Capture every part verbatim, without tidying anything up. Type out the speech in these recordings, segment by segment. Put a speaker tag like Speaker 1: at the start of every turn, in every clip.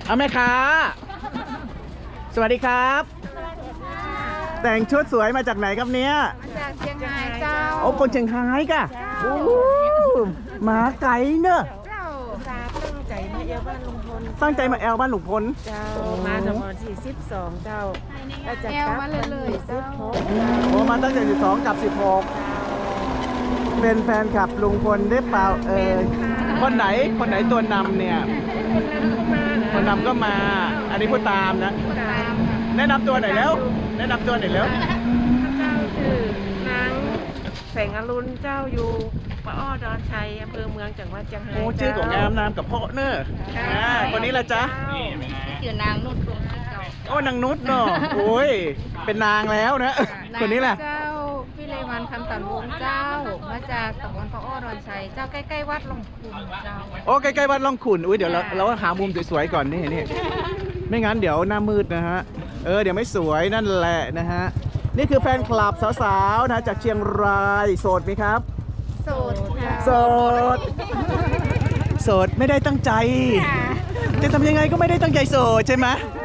Speaker 1: เอาแม่ค้าสวัสดีครับ แต่งชุดสวยมาจากไหนครับเนี้ย
Speaker 2: มาจากเชียงรายเจ้า
Speaker 1: โอ้คนเชียงรายกะโอ้หมาไก่เนอะ
Speaker 2: เจ้าตาตั้งใจมาเอวบ้านลุงพล
Speaker 1: ตั้งใจมาแอลบ้านหลวงพล
Speaker 2: เจ้ามาจากวันที่สิบสองเจ้าก็จะกลับมาเลยๆสิบหก
Speaker 1: โอ้มาตั้งแต่สิบสองกับสิบหกเป็นแฟนคลับลุงพลได้เปล่าเออคนไหนคนไหนตัวนำเนี่ยคนนำก็มาอันนี้ผู้ตามนะแนะนำตัวหน่อยแล้วแนะนำตัวหน่อยแล้ว
Speaker 2: เจ้าคือนางแสงอรุณเจ้าอยู่ปะอ้อดอนชัยอำเภอเมืองจังหวัดเชียงราย
Speaker 1: โอ้ชื่อของงามนามกับพ่อเนอะคนนี้ละจ๊ะ
Speaker 2: ชื่อนางนุชดวงจิตเจ้า
Speaker 1: โอ้นางนุชเนาะโอ้ยเป็นนางแล้วนะคนนี้แหละ
Speaker 2: เจ้าพี่เลวันคำตันวงเจ้ามาจากตำบลปะอ้อดอนชัยเจ้าใกล้ๆวัดหลวงคุณเจ้า
Speaker 1: โอ้ใกล้ๆวัดล่องขุ่นอุ้ยเดี๋ยวเราเราหามุมสวยๆก่อนนี่นี่ไม่งั้นเดี๋ยวหน้ามืดนะฮะเออเดี๋ยวไม่สวยนั่นแหละนะฮะนี่คือแฟนคลับสาวๆนะจากเชียงรายโสดไหมครับ
Speaker 2: โสด
Speaker 1: โสดโสดไม่ได้ตั้งใจจะทำยังไงก็ไม่ได้ตั้งใจโสดใช่ไหม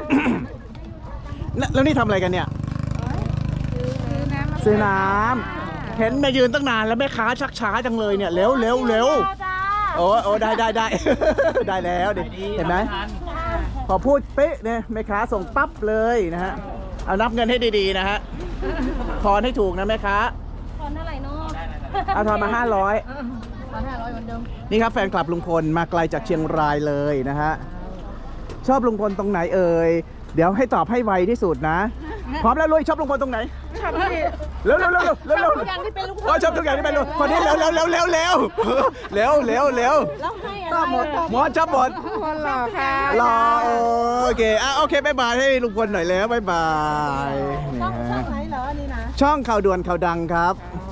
Speaker 1: แล้วนี่ทำอะไรกันเนี่ยซื้อน้ำเห็นมายืนตั้งนานแล้วแม่ค้าชักช้าจังเลยเนี่ยเร็วเร็วเร็วโอ้โอ้ได้ได้ได้ได้แล้วดิเห็นไหมพอพูดเป๊ะเนี่ยแม่ค้าส่งปั๊บเลยนะฮะเอานับเงินให้ดีๆนะฮะทอนให้ถูกนะแม่ค้า
Speaker 2: ทอนเท่าไหร่เนาะ
Speaker 1: เอาทอนมาห้าร้อย
Speaker 2: ทอนห้าร้อยเหมือนเดิม
Speaker 1: นี่ครับแฟนคลับลุงพลมาไกลจากเชียงรายเลยนะฮะชอบลุงพลตรงไหนเอ่ยเดี๋ยวให้ตอบให้ไวที่สุดนะพร้อมแล้วลุยชอบลุงพลตรงไหน
Speaker 2: ชอบที่
Speaker 1: เร็วเร็วเร็วเร็วเร็ว
Speaker 2: ทุกอย่างที่เป็นลุงพ
Speaker 1: ลชอบทุกอย่างที่เป็นลุงคนนี้เร็วเร็วเร็วเร็วเร็วเร็วเร็วเร็ว
Speaker 2: ชอบหมด
Speaker 1: หมดชอบหมด
Speaker 2: คนหล่อค่ะ
Speaker 1: หล่อโอเคอ่ะโอเคบายบายให้ลุงพลหน่อยแล้วบายบาย
Speaker 2: ช่องช่องไหนเหรอนี่นะ
Speaker 1: ช่องข่าวด่วนข่าวดังครับ